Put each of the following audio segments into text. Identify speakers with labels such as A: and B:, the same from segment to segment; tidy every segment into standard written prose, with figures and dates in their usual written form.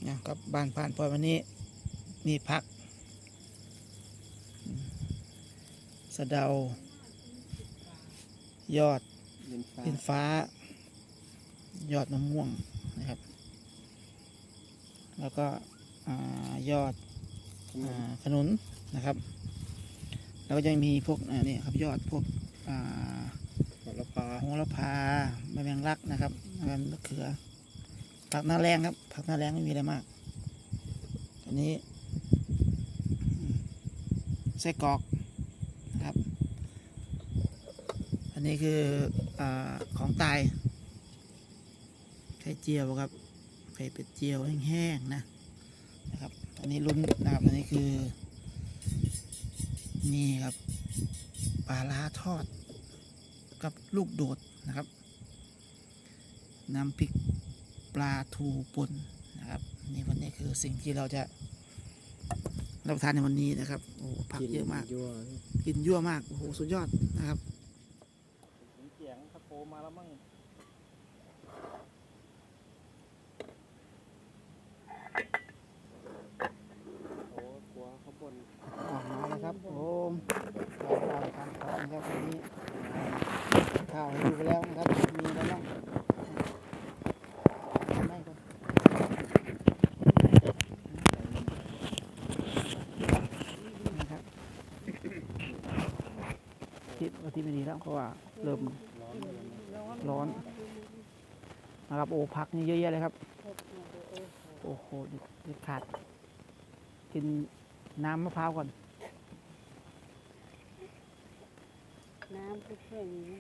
A: นะครับบ้านผ่านพอวันนี้มีผักสะเดายอดอินฟ้ายอดมะม่วงนะครับแล้วก็ยอดขนุนนะครับแล้วก็ยังมีพวกนี่ครับยอดพวกโหระพาใบแมงลักนะครับใบมะเขือผักหน้าแรงครับผักหน้าแรงไม่มีอะไรมากอันนี้ไส้กรอกนะครับอันนี้คือของตายไข่เจียวครับไข่เป็ดเจียวแห้งๆนะครับอันนี้ลุ้นนะครับอันนี้คือนี่ครับปลาร้าทอดกับลูกโดดนะครับน้ำพริกปลาทูป่นนะครับนี่วันนี้คือสิ่งที่เราจะรับประทานในวันนี้นะครับโอ้ผักเยอะมากกินยั่วมากโอ้โหสุดยอดนะครับ
B: เสียงตะโกมาแล้วมั่งโอ้กลัวเขาบ่น
A: มาแล้วครับโอ้เราทานข้าวนะครับวันนี้ข้าวให้ดูไปแล้วนะครับมีอะไรบ้างไม่ก่อนนะครับคิดว่าที่ไม่ดีแล้วเพราะว่าเริ่มร้อนนะครับโอ้ผักนี่เยอะแยะเลยครับโอ้โหเด็ดขาดกินน้ำมะพร้าวก่อน
C: น้ำเพื่อนๆนี่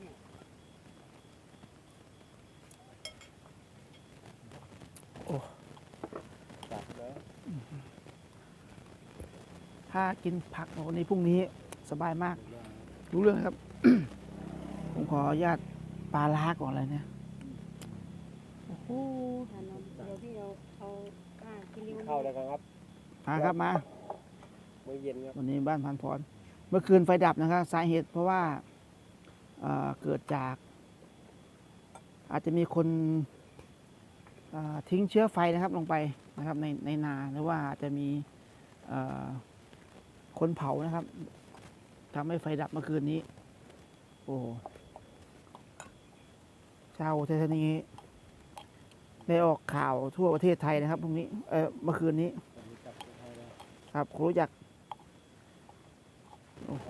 A: โอ้
B: จับแล้ว
A: ถ้ากินผักวันนี้พรุ่งนี้สบายมากรู้เรื่องครับ ผมขออนุญาตปลาล้าก่อนเลยเนี่ยโอ้โห
C: เดี๋ยวพี่เอากินริ้ว
B: เข้าแล้วครับ
A: มาครับมา
B: มื้อเย็นครับ
A: วันนี้บ้านพันพรเมื่อคืนไฟดับนะครับสาเหตุเพราะว่าเกิดจากอาจจะมีคนทิ้งเชื้อไฟนะครับลงไปนะครับในนาหรือว่าอาจจะมีคนเผานะครับทำให้ไฟดับเมื่อคืนนี้โอ้ชาวเทศนีได้ออกข่าวทั่วประเทศไทยนะครับพรุ่งนี้เมื่อคืนนี้ครับครูรู้จักโอ้โห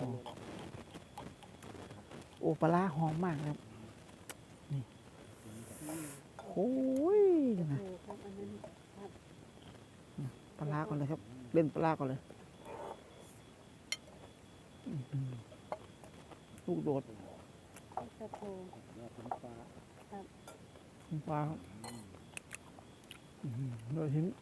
A: โอ้ปลาร้าหอมมากครับนี่โอ้ยนะปลาร้าก่อนเลยครับเล่นปลาร้าก่อนเลยลูกโดด
C: ตะโพ
A: ปลาครับโดยทิ้ง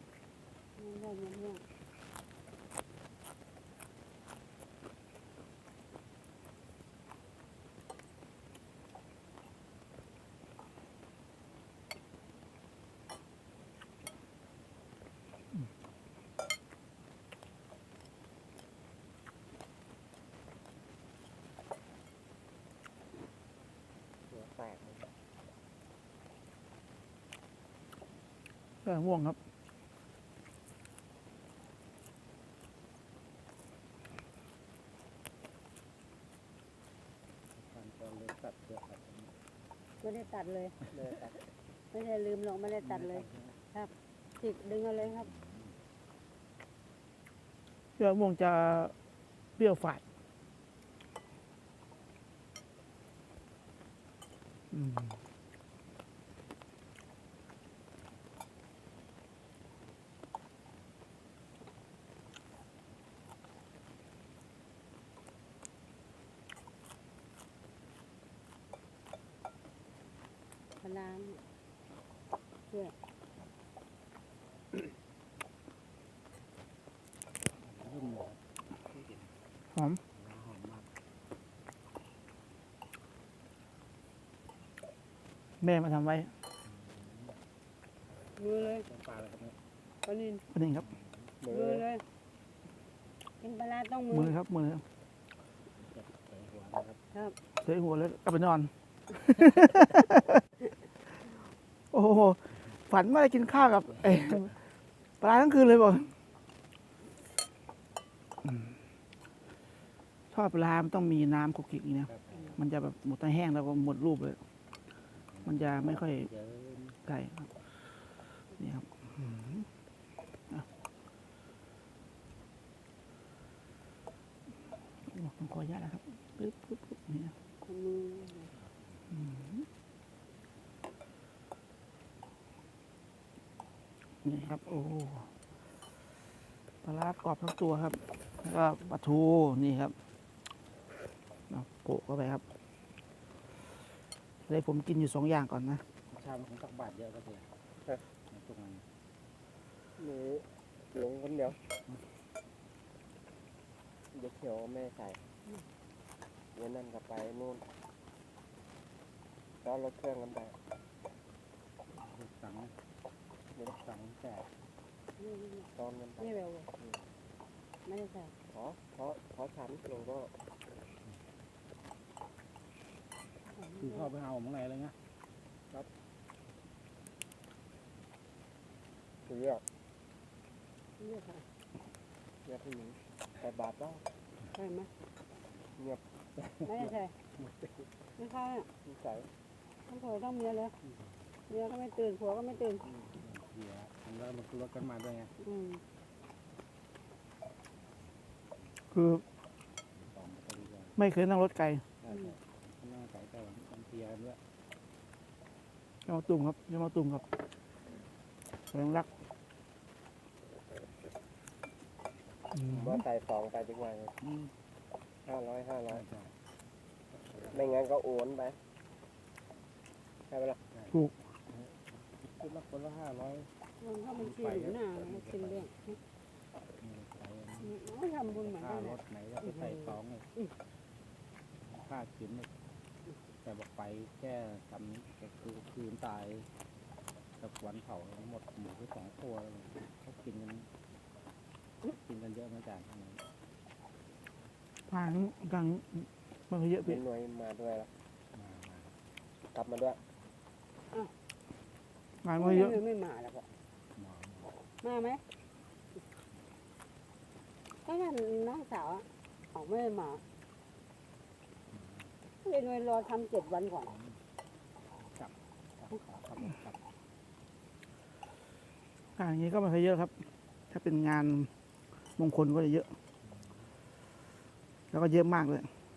B: แตก
A: เสื้อม่วงครับ
C: ไม่ได้ตัดเลยไม่ได้ลืมหรอกไม่ได้ตัดเลยครับติดดึงเอาเลยครับ
A: เสื้อม่วงจะเปรี้ยวฝาด
C: ปลาเพื่อ
A: หอมแม่มาทำไว้
C: มือเลย
B: ปลาอะไรครับเนี่ย
C: ปลานิล
A: ปลานิลครับ
C: มือเลยกินปลาต้อง
A: มือครับมือครับ
C: ครับ
A: เทหัวแล้วกลับไปนอน โอ้โหฝันว่าได้กินข้าวกับปลาทั้งคืนเลยบอกทอดปลามันต้องมีน้ำคลุกคลิกอย่างนี้นะมันจะแบบหมดแห้งแล้วก็หมดรูปเลย มันจะไม่ค่อย
B: เยอะ
A: ไก่ครับนี่ครับต้องขออนุญาตนะครับปึ๊บปึ๊บปึ๊บนี่นะ
C: คนมือ
A: นี่ครับ โอ้ปลาร้ากรอบทั้งตัวครับ แล้วก็ปลาทูนี่ครับเอาโปะเข้าไปครับเลยผมกินอยู่2 อย่างก่อนนะ
B: ชามของตักบาทเยอะก็เสียตรงนั้น
D: นี่ลงคนเดียวเดี๋ยวเขียวแม่ใส่เดี๋ยวนั่นก็ไปนู่นแล้วรถเครื่องกันไป
B: สังสังแต่
D: ตอนกันไป
C: นี่เร็วไม่ได้ใส่
D: เพราะฉันลงก็
B: คือเข้าไปเอาของไหนเลยนะ
D: คือเลือก
C: เลือกค่ะ
D: เลือกผู้หญิงแต่บาทก็
C: ใช่ไหม
D: เงียบ
C: ไม่ได้ใส่ไม่เข้าเนี่ย
D: นิสัย
C: ต้องผัวต้องเมียเลยเมียก็ไม่ตื่นผัวก็ไม่ตื่น
B: เสียมันแล้วมันรถกันมาด้วยไง
C: อืม
A: คือ
B: สองไปดีกว่า
A: ไม่เคยนั่งรถไกล
B: ใช่นั่งใส่แต่วันเทียกันด้วย
A: ยามาตุ่มครับยามาตุ่มครับแสงรัก
D: ว่าใส่สองไปดีกว่า
B: อืม
D: 500
B: ใช่
D: ไม่งั้นก็โอนไปใช่ไหมล่ะ
B: คิดละคนละ500
C: มันเข้าบัญชีหรือหน้าไม่กินเรื่อง
B: ใส่
C: ไม่ทำบุญเหมือน
B: ค่า
C: กัน
B: ร
C: นะ
B: ถไหนก็ไปใส่สองเลยค่ากินเลยแต่บอกไปแค่ทำก็คือคืนตายกับวันเผาหมดหมูไป2 ตัวเขากินกันเยอะเหมือนกัน
A: ทางกลางมันก็เยอะไป
D: เป็นหน่วยมาด้วยแล้ว
B: มาก
D: ลับมาด้วย
A: งานมันก็เยอะ
C: ไม่มาแล้วก็
B: มา
C: มาไหมก็นั่นน้องสาวออกไม่ได้มาเรียนไว้รอทำ7 วันก่อน
B: ขับ
A: งานอย่างนี้ก็ไม่ค่อยเยอะครับ ถ้าเป็นงานมงคลก็จะเยอะ แล้วก็เยอะมากเลย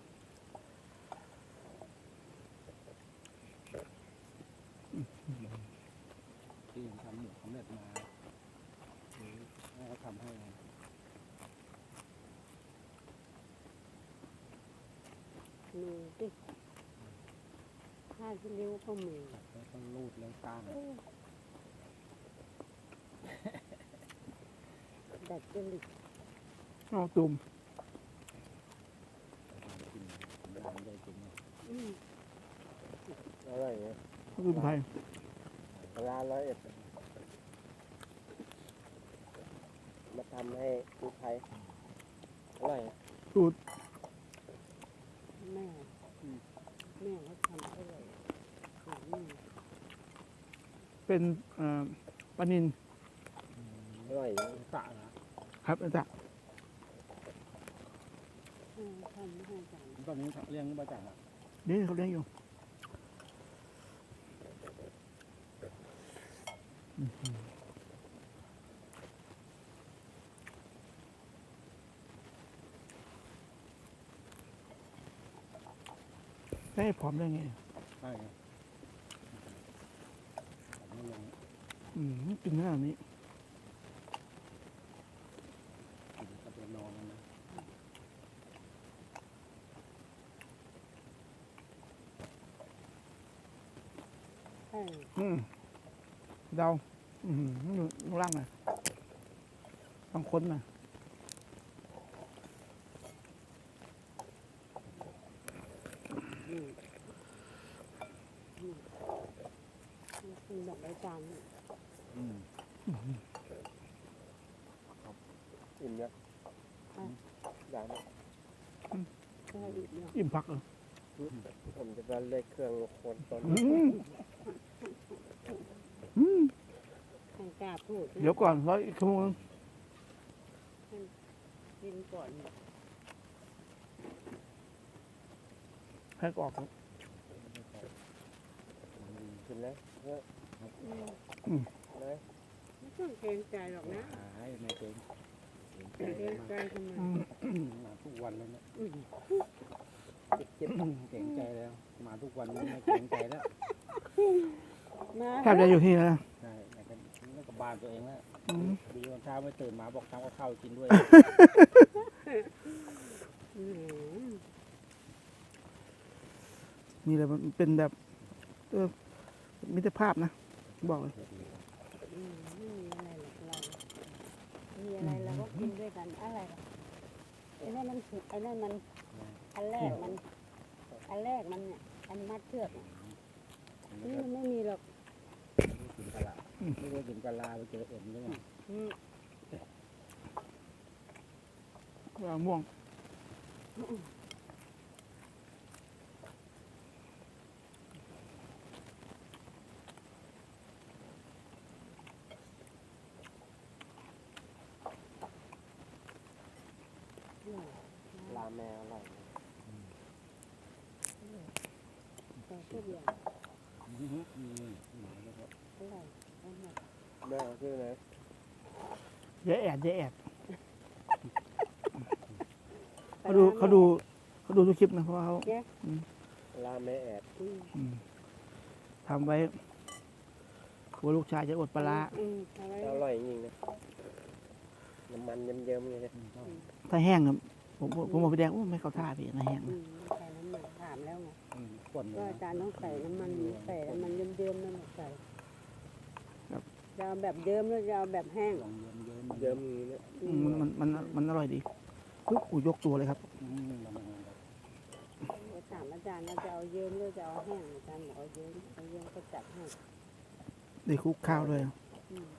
B: ที่ทำหมูสำเร็จมาหรือให้เขาทำให้
C: มือติผ้าที่นิ้วก็มือ
B: แล้วก็รูดแล้วก้าง
C: ดัดจริต
A: เอาตุ่ม
B: กินน้ำได้กิน
C: อืม
D: อร่อยเนี่ย
A: ตุ่มไทย
D: ร้าน101มาทำให้ลูกไทยอร่อย
A: สูตร
C: แม่แม่เขาทำอร่อยอืม
A: เป็นปลานิน
D: อร่อย
B: สะนะครับ
A: อาจารย์
C: ทำให้กัน
B: ตอนนี้เลี้ยงมาจาก
A: นี่เขาเลี้ยงอยู่ได้ผอมได้ไง
B: ใช่ครับไม่ลง
A: กินขนาดนี้
B: กินกับนอนนะ
C: ใช่
A: เดาลูกล่างหน่อยบางคนน่ะ
C: กินแบบใบจาน
D: อิ่มยังยัง
C: ใช่อีกเนาะ
A: อิ่มผักเหรอ
D: ผมจะมาเลขเครื่องโคนต้น
C: แข่งกล้าพูดนะ
A: เดี๋ยวก่อนร้อยอีกชั่วโมงนึง
C: กินก่อน
A: ให้ออกครับ
D: กินแล้วเยอะ
C: อืม
D: เลย
C: ไม่ต้องเกรงใจหรอกนะ
B: หายไม่เก่ง
C: เกรงใจทำไม
B: มาทุกวันแล้วเนี่ย
C: อืม
B: เก่งใจแล้ว มาทุกวันนี้ไม่เก่งใจแล้ว
C: มา
A: แทบจะอยู่ที่นะ
B: ใช่แล้วก็บ้านตัวเองแล้ว
A: อืม
B: ดีตอนเช้าไม่ตื่นมาบอกทำกับข้าวกินด้วย
C: อืม
A: มีอะไรมันเป็นแบบมิตรภาพนะบอกเลย
C: อืมไม่มีอะไรหรอกเรามีอะไรเราก็กินด้วยกันอะไรหรอกไอ้นั่นมันถูกไอ้นั่นมันอันแรกมันเนี่ยอันมัดเชือกเนี่ยนี่มันไม่มีหรอก
B: กินปลาร้าไม่ว่ากินปลาร้าไปเจอเอ็นด้วย
C: อืม
A: ม่วง
D: ลาแมวอร่อย
C: แต่ทุกอย่าง อร่อยอร่อย
D: แม่ชื่ออะไร
A: เยอะแอดเขาดูทุกคลิปนะเพราะว่าเขา
D: ลาแม่แอด
C: อืม
A: อืมทำไว้กลัวลูกชายจะอดปลาร้า
C: อะไร
D: อร่อยจริงๆนะน้ำมันเยิ้มๆเลย
A: ถ้าแห้งอะผมบอกพี่แดงไม่เข้าท่าพี่นะแห้ง
C: อื
A: นะ
C: มใส่น้ำมันถามแล้วไง
B: ก่อนเล
C: ว่าย อาจารย์ต้องใส่น้ำมันเยิ้มๆนั่นแหละใส่จะเอาแบบเยิ้มหรือจะเอาแบบแห้ง
B: ลองเยิ้ม
D: เยิ้มอย่างนี้เนี่ย
C: อืม
A: มันอร่อยดีปึ๊บอูยกตัวเลยครับ
C: จะถามอาจารย์ว่าจะเอาเยิ้มหรือจะเอาแห้งอาจารย์บอกเอาเยิ้มก็จัดให้
A: ได้คลุกข้าวด้วย
C: อืม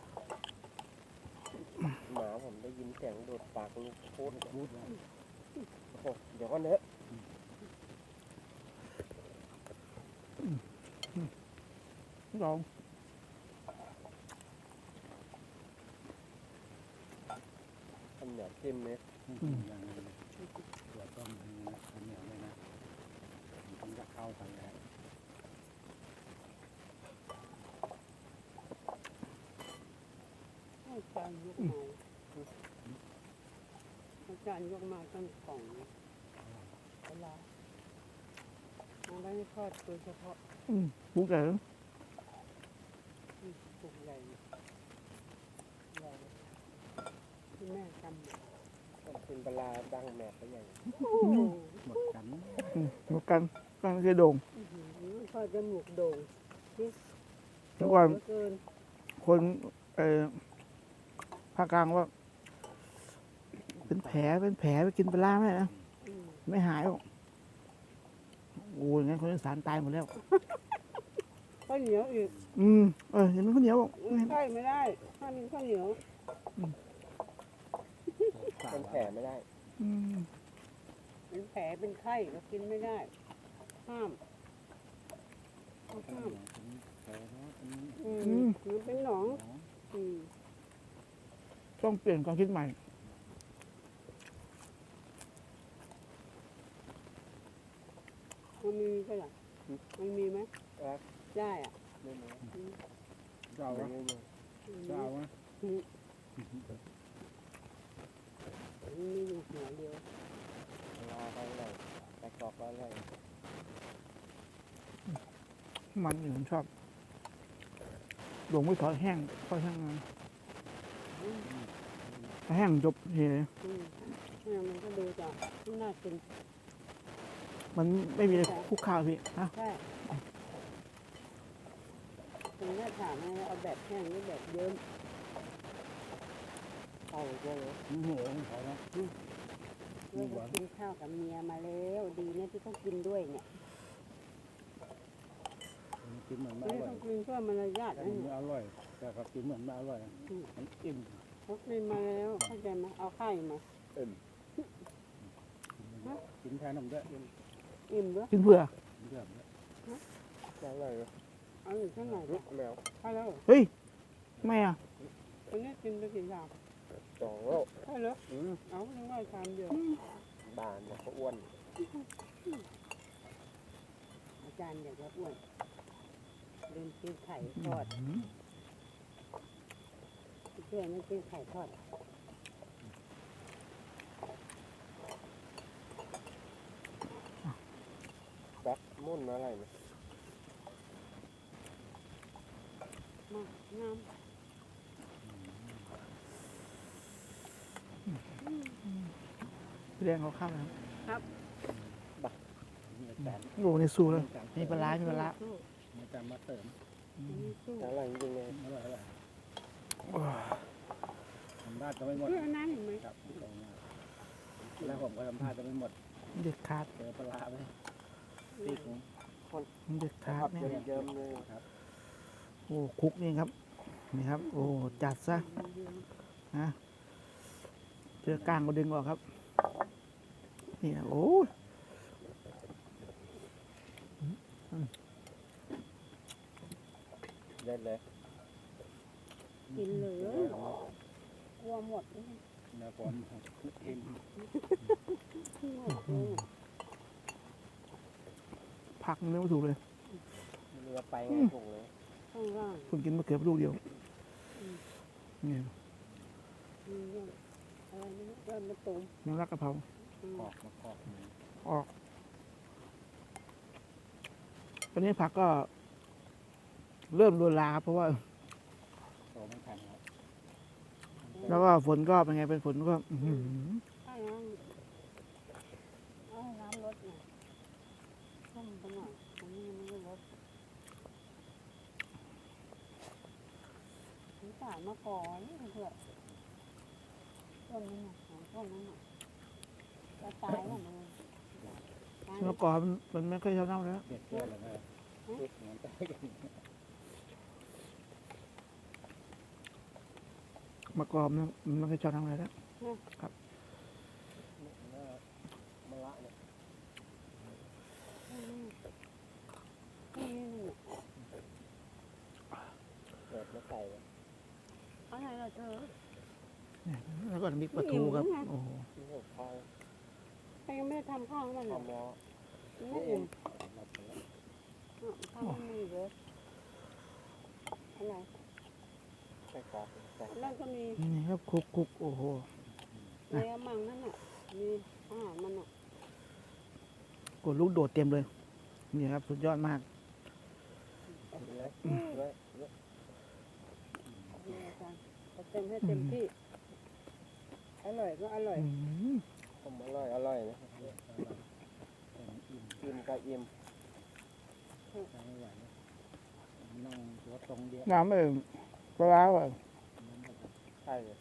D: หมาผมได้ยินเสียงโดดปากลูกพูดโอ้โหเดี๋ยวก่อนเถอะ
A: ลอง
D: ทำเหนียวจิ้มไหม
B: อย่างนี้ตัวต้มอันเหนียวเลยนะมันจะเข้ากันแล้ว
C: ให้อาจารย์ยกมาอาจารย์ยกมาตั้งกล่องเวลาเอาไว้ให้ทอดโดยเฉพาะ
A: คลุกเลย
C: ปลูกใหญ่ใหญ่ที่แม่จำมา
D: เป็นปลาดังแมบไปอย่าง
B: หมดกัน
A: หมดกันก็คือโด่ง
C: ทอดจมูกโด่ง
A: เมื่อก่อน
C: เหลืเกิน
A: คนภาคกลางว่า เป็นแผลไปกินปลาร้าไม่ได้นะ
C: อืม
A: ไม่หายหรอกโอ้ยงั้นคนอีสานตายหมดแล้ว
C: ข้าวเหนียวอีก
A: เห็นมันข้าวเหนียวบอก
C: ใช่ไม่ได้ถ้ามีข้าวเหนียว
D: เป็นแผลไม่ได้
C: เป็นแผลเป็นไข้ก็กินไม่ได้ ห้ามเขาห้าม
B: แผลเนาะ
C: มันเป็นหนองอืม
A: ต้องเปลี่ยนความคิดใหม่
C: มันมีก็หรอมันมีไหม
D: ครับ
C: ได้อ่ะ
D: ไม่รู้
B: เจ้า
D: ไม่
B: วะ
D: รู้
B: เจ้าวะ
C: มันมีอยู่หัวเดียว
D: ลาไปเลยไปกรอกแล้วเลย
A: มันอยู่ผมชอบหลวงไม่ถอยแห้งค่อยแห้งมาถ้าแห้งจบเฮเลย
C: เนี่ยมันก็ดูจะน่ากิน
A: มันไม่มีอะไรคลุกข้าวพี่ฮะ
C: ใช่ถึงจะถามว่าเอาแบบแห้งหรือแบบเยิ้ม
D: เข้าใช่ไหม
B: โอ้โหเขาเนาะ
C: เพื่อจะกินข้าวกับเมียมาแล้วดีเนี่ยที่เขากินด้วยเนี่ย
B: กินเหมือนไม่
C: ไม่
B: อร่
C: ต้
B: อ
C: อย งกินเพื่อมารยาท
B: แต่
C: นะ
B: มัน
C: เนี่ย
B: อร่อย แต่ก็กินเหมือนไม่อร่อยมันอิ่ม
C: เขากินมาแล้วเข้าใจไหมเอาไข่มา
B: กินแทนนมด้วย
C: อิ่มด้วย
A: กินเพื่อ
B: เรื่อง
D: อร่อย
C: เอาอยู่ข้างไหน
D: แมว
C: เข้าแล้ว
A: เฮ้ยไม่อ่ะ
C: ตอนนี้กินไปกี่อย่าง
D: สองแล้ว
C: ใช่เหรอ
D: อืม
C: เอานึกว่าชามเดียว
D: บานเนี่ยเขาอ้วน
C: อาจารย์อยากจะอ้วนลืมกินไข่ทอดเพื่อนไม่กินไข่ทอด
D: แบ็คมุ่นอะไรเนี่ย
C: มากงาม
A: พี่แดงเขาข้ามแล้ว
B: มีอาจารย์
A: โอ้ในสู้แล้วมีปลาร้ามีปลาร้า
C: สู้
B: มีอาจารย์มาเสริม
C: อันนี้สู้
D: อร่อยจริงๆเลย
B: อร่อยทำได้ก็ไม่หมด
C: เพื่อนนั้นเห็นไหม
B: ครับตรงนี้แล้วผมก็ทำท่าจะไม่หมด
A: เด็ดขาด
B: เจอปลาไปตีกง
A: เด็ดขาดเนี่ย
D: เยิ้มๆเลย
A: โอ้คุกนี่ครับนี่ครับ โอ้จัดซะนะเจอกลางก็ดึงออกครับนี่นะโอ้ย
D: เด็ดเลย
C: กินเลยกลัวหมดเลย
B: แล้วผมเอ็ม
C: หมดเลย
A: ผักมันไม่ถูกเลย
D: เรือไปไงถูกเลย
C: ข้างล่าง
A: คุณกินมะเขือลูกเดียวนี่
C: มีเรื่องอะไรไม่รู้เริ่มมาตุ่ม
A: น้ำรักกะเพรา
B: กอกมากอก
A: ออกตอนนี้ผักก็ เริ่มโดนลาครับเพราะว่า
B: โตไม่ทันครับ
A: แล้วก็ฝนก็เป็นไงเป็นฝนก็อื้อหือ
C: ข้างล่างเอาน้ำรถหน่อยต้มไปหน่อยอันนี้ยังไม่ได้รถสงสารมาก่อนนี่เถอะต้นนั้นน่ะของต้นนั้นน่ะจะตายแล้วมึงตาย
A: เมื่อก่อนมันไม่ค่อยเท่าเน่าแล้ว
B: เด็ดเพื่อนเลยนะเหมือนกัน
A: เมื่อก่อนมันไม่ค่อยชอบทำอะไรแล้ว
D: มะละเนี่ย
C: นี่
D: เกิดมาใส่เลย
C: อะไรล่ะเธอ
A: แล้วก็มีปลาทูครับโอ้โห
D: ที่หกทอง
C: ใครยังไม่ได้ทำข้าวให้มันหรอ
D: ทำแล้ว
C: ไม่อิ่มข้าวมันมีเยอะอะไร
D: ใส่กรอกใส่
C: แล้วก็มี
A: นี่ครับคุกโอ้โห
C: เนื้อมังนั่นน่ะมีอาหารมันอ่ะ
A: กดลูกโดดเต็มเลยนี่ครับสุดยอดมาก
D: เลยเลย
C: นี่อาจารย์เอาเต็มให้เต็มที่อร่อยก็อร่อย
D: ผมอร่อยนะอิ่มกับอิ่ม
B: ไม่ไหวนั่งตัวตรงเดียว
A: น้ำเองปลาร้าอ่ะ
D: ใช่เลย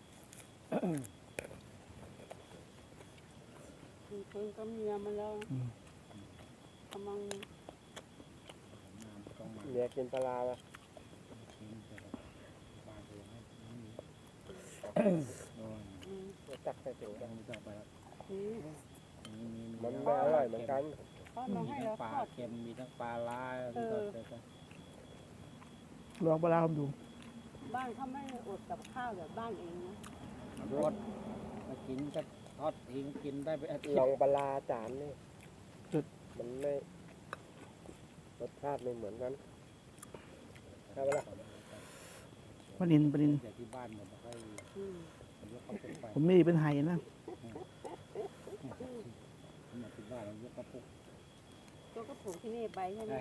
C: มีคนก็เมียมาแล้วกำลัง
B: น้ำต้องมา
D: เมียกินปลาร้าปะ
B: กินแต่บางทีไม่มีโอ้ย
D: จักใส่ถุง
B: ต้องมีต่อไปแล้ว
C: นี่
D: มันไม่อร่อยเหมือนกัน
C: เขา
B: มี
C: มาให้
B: ทั้
C: เรา
B: งปลา
C: ทอด
B: เค็มมีทั้งปลาลายที่ก็เจอกัน
A: ลองปลาร้าผมดู
C: บ้านเขาไม่ได้อดกับข้าวแบบบ้านเองนะ
B: รสมากินก็ทอดทิ้งกินได้ไปอาทิต
D: ลอง
B: ย์
D: ปลาร้าจานนี่มันไม่รสชาติไม่เหมือนกันใช่ปะล่ะ
A: ปลานิน
B: แต่ที่บ้านหมดแล้วก็
C: อืม
B: ผมยกเข้าไป
A: ผมมีเป็นไห่นะ
B: หมดที่บ้านเรายกกระปุก
C: ตัวก็ปลูกที่นี่ไปใช่ไหม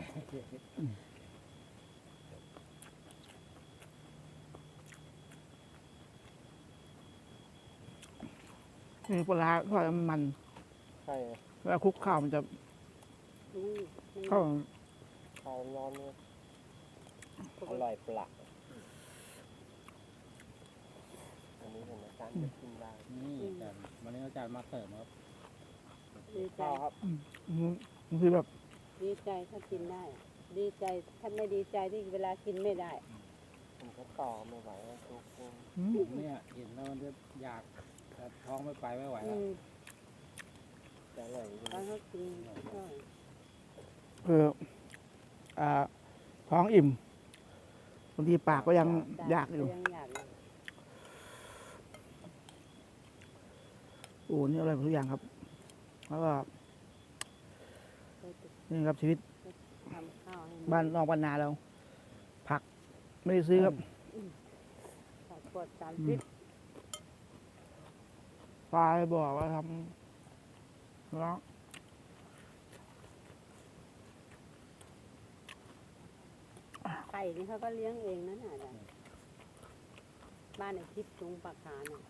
A: นี่ปลาร้าทอดมัน
D: ใช่
A: เวลาคลุกข้าวมันจะ
C: อืม
A: เข้า
D: ข้าวร้อนเนี่ยอร่อยปลักอันนี้เห็นไหมจานจะกินได้
B: นี่อาจารย์วันนี้อาจารย์มาเสริมครับ
C: ดีใจ
D: ข้าวครับ
A: บางทีแบบ
C: ดีใจถ้ากินได้ ดีใจถ้าไม่ดีใจที่เวลากินไม่ได้
D: ผมก็ต่อไม่ไหวแล้วทุกคน
B: เนี่ยเห็นแล้วมันจะอยากแต่ท้องไม่ไปไม่ไหว
C: อื
B: แล้ว
C: ม
D: จะอร่อยจริง
C: ตอนเขากินก็
A: ท้องอิ่มบางทีปากก็ยังอยากอยู่
C: ยังอยากอยู่
A: โอ้นี่อร่อยหมดทุกอย่างครับ แล้วก็นี่ครับชีวิต
C: ทำข้าวให้
A: บ้านนอกบ้านนาเรา ผักไม่ได้ซื้อครับ
C: ผักปลอดสารพิษ
A: ปลาบอกว่าทำแล้ว
C: ไก่นี่เขาก็เลี้ยงเองนั่นน่ะบ้านไอ้ทิพย์ตรงปากขาน่ะ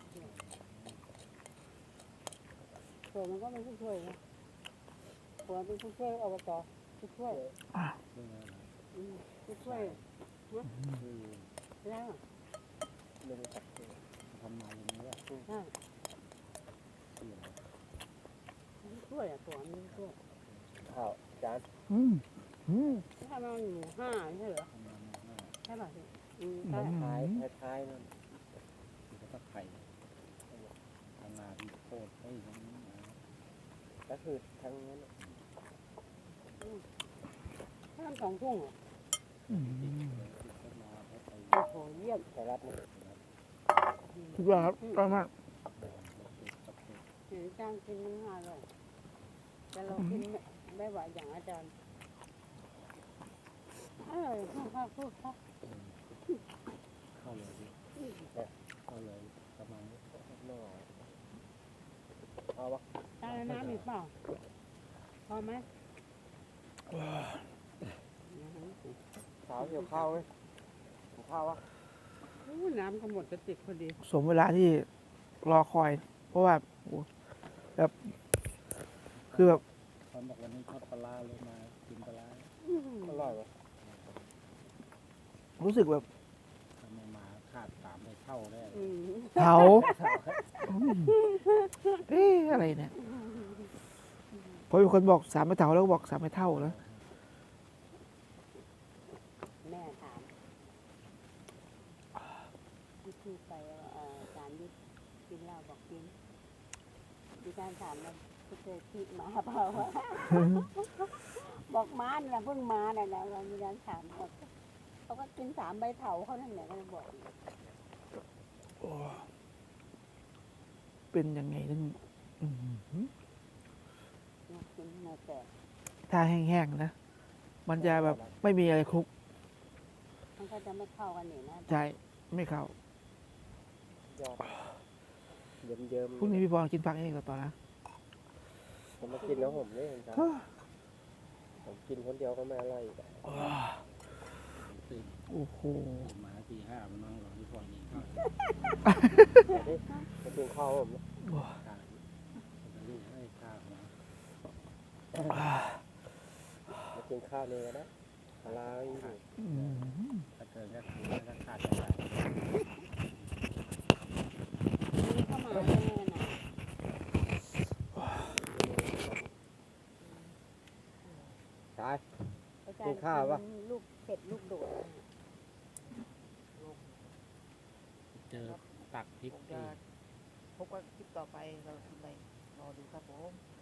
C: ผัวมันก็เป็นผู้ช่วยนะผัวเป็นผู้ช่วยอบตผู้ช่วย
B: เรื่องอะไรนะ
C: ผู้ช่วย
B: คือ
C: แล้ว
D: ไม่รู้จักเลย
B: ทำนาอย่างนี้แหละ
C: ใช่
B: เกี่ยว
C: ผู้ช่วยอ่ะผัวมันผู้ช่วย
D: ข้าวจาน
A: อืม
C: ถ้ามันหมู่ห้าไม่ใช่เหรอ
B: ทำนาหน้า
C: ใช่ป่ะพี่ใช่
D: ท้ายท้ายนั่น
B: คือก็ตะไคร้ทำนาที่โคตรเฮ้ยทั้งนี้นะ
D: ก็คือทั้งนั้น
C: ถ้ามันสองทุ่งเหรอ
B: ติดเลยติดต้นมาแล้วไป
C: โอ้โหเยี่ยม
D: ไทยรัฐนี่
A: ทุกอย่างครับอร่อยมาก
C: เห็นจ้างกินมันอร่อยแต่เรากินไม่ไหวอย่างอาจารย์อร่อยพูดครับ
B: เข้าเลยดิเข้าเลยประมาณนี้
D: ไม่ไหวเอาวะ
C: ตาน้ำอีกเปล่าพอไหม
D: สาวเกี่ยวข้าวไหมเกี่ยวข้าววะ
C: น้ำก็หมดกระติกพอดี
A: สมเวลาที่รอคอย เพราะว่าโอ้แบบคือแบบ
B: ตอนบอกวันนี้ทอดปลาร้าเลยมากินปลาร้า
D: อร่อยวะ
A: รู้สึกแบบ
B: ทำไมมาขาด3ไปเท่าได้
A: เผาเอ๊ะอะไรเนี่ยพอมีคนบอก3ไม่เท่าแล้วก็บอก3ไม่เท่าแล้ว
C: แม่ถามที่ไปอาจารย์ยุทธกินเหล้าบอกกินดิฉันถามมันเคยที่มาเปล่าบอกมาเนี่ยเพิ่งมาเนี่ยนะเราดิฉันถามเขาก็กิน3ใบเถาเขานั่นแหละก็เลยบอก
A: โอ้เป็นยังไงนึงอื้อหือ
C: กินเนื้อแตก
A: ถ้าแห้งๆนะ มันจะแบบไม่มีอะไรคลุก
C: มันก็จะไม่เข้ากันนี่นะ
A: ใจไม่เข้าย
D: อดเยิ้ม
A: พรุ่งนี้พี่บอลกินผักเองก่อนต่อนะ
D: ๆผมมากินแล้วผมนี่ครับผมกินคนเดียวก็ไม่อร่อยอีกอะ
B: ตื่น
A: โอ้โห
B: มาตี5มันนอนรอที่ฟอยนี่ข้าว
D: มากินข้าวผมนะ
B: ขาดจะรีบให้ข้าวมา
D: มากินข้าวเลยนะปลาร้าอยู่
A: อืม
B: ถ้าเกินก็คือถ้าขาดจะได้
C: มีเข้ามาแน่น่ะ
D: ใช่
C: อาจาร
D: กิ
C: ย์
D: นข้าวปะ
C: ลูกเผ็ดลูกโดด
B: เจอตักพริก
A: ผมจะพบกันคลิปต่อไปเราทำอะไรรอดูครับผม